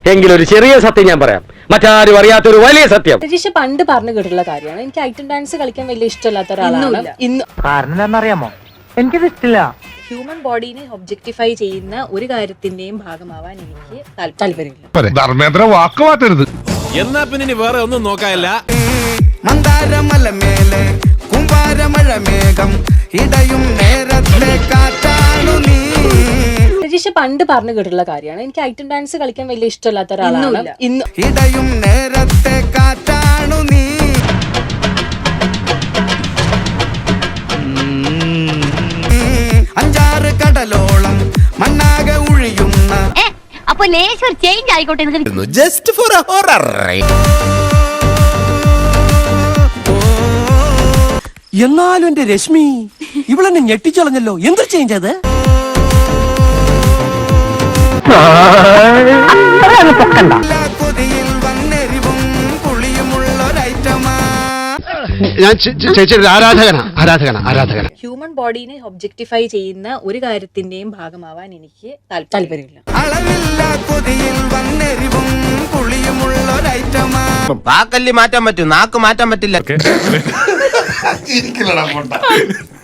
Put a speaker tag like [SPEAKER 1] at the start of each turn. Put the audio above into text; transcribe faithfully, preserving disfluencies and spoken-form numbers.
[SPEAKER 1] എങ്കിലൊരു ചെറിയ സത്യം ഞാൻ പറയാം, മറ്റാരും അറിയാത്തൊരു വലിയ സത്യം.
[SPEAKER 2] രജീഷ് പണ്ട് പറഞ്ഞു കേട്ടിട്ടുള്ള കാര്യമാണ്, എനിക്ക് ഐറ്റം ഡാൻസ് കളിക്കാൻ വലിയ ഇഷ്ടമില്ലാത്ത ഒരാളാണ്. ഇന്ന്
[SPEAKER 3] കാരണം അറിയാമോ, എനിക്കിത് ഇഷ്ടമില്ല.
[SPEAKER 2] ഹ്യൂമൻ ബോഡീനെ ഒബ്ജക്ടിഫൈ ചെയ്യുന്ന ഒരു കാര്യത്തിന്റെയും ഭാഗമാവാൻ എനിക്ക് താല്പര്യമില്ല.
[SPEAKER 4] ധർമ്മേന്ദ്ര വാക്ക് മാറ്റരുത്.
[SPEAKER 5] എന്നാ പിന്നെ വേറെ ഒന്നും നോക്കാനില്ല.
[SPEAKER 6] മന്ദാരമലമേലെ കുമ്പാരമഴമേഘം ഇടയും നേരത്തെ കാറ്റാണു നീ.
[SPEAKER 2] രജീഷ് പണ്ട് പറഞ്ഞു കേട്ടിട്ടുള്ള കാര്യമാണ്, എനിക്ക് ഐറ്റം ഡാൻസ് കളിക്കാൻ വലിയ ഇഷ്ടമില്ലാത്ത ഒരാളാണ്. ഇന്ന്
[SPEAKER 6] ഇടയും നേരത്തെ കാറ്റാണു നീ. അഞ്ചാറ് കടലോളം മണ്ണാകെ ഒഴിയുന്ന
[SPEAKER 7] അപ്പൊ ലേശം ചേഞ്ച് ആയിക്കോട്ടെ.
[SPEAKER 5] Just for a horror.
[SPEAKER 3] എന്നാലും എന്റെ രശ്മി ഇവളെന്നെ ഞെട്ടിച്ചളഞ്ഞല്ലോ. എന്ത് ചേഞ്ച് അത്?
[SPEAKER 6] കൊതിയിൽ വന്നെരിവും പുളിയുമുള്ളൊരൈറ്റമാ.
[SPEAKER 8] ഞാൻ ചേച്ചിയുടെ ആരാധകനാ ആരാധകനാ ആരാധകന
[SPEAKER 2] ഹ്യൂമൻ ബോഡീനെ ഒബ്ജക്ടിഫൈ ചെയ്യുന്ന ഒരു കാര്യത്തിന്റെയും ഭാഗമാവാൻ എനിക്ക് താല്പര്യമില്ല.
[SPEAKER 6] അളവില്ല കൊതിയിൽ വന്നെരിവും പുളിയുമുള്ളൊരൈറ്റമാ.
[SPEAKER 9] വാക്കല്ലി മാറ്റാൻ പറ്റും, നാക്ക് മാറ്റാൻ പറ്റില്ല.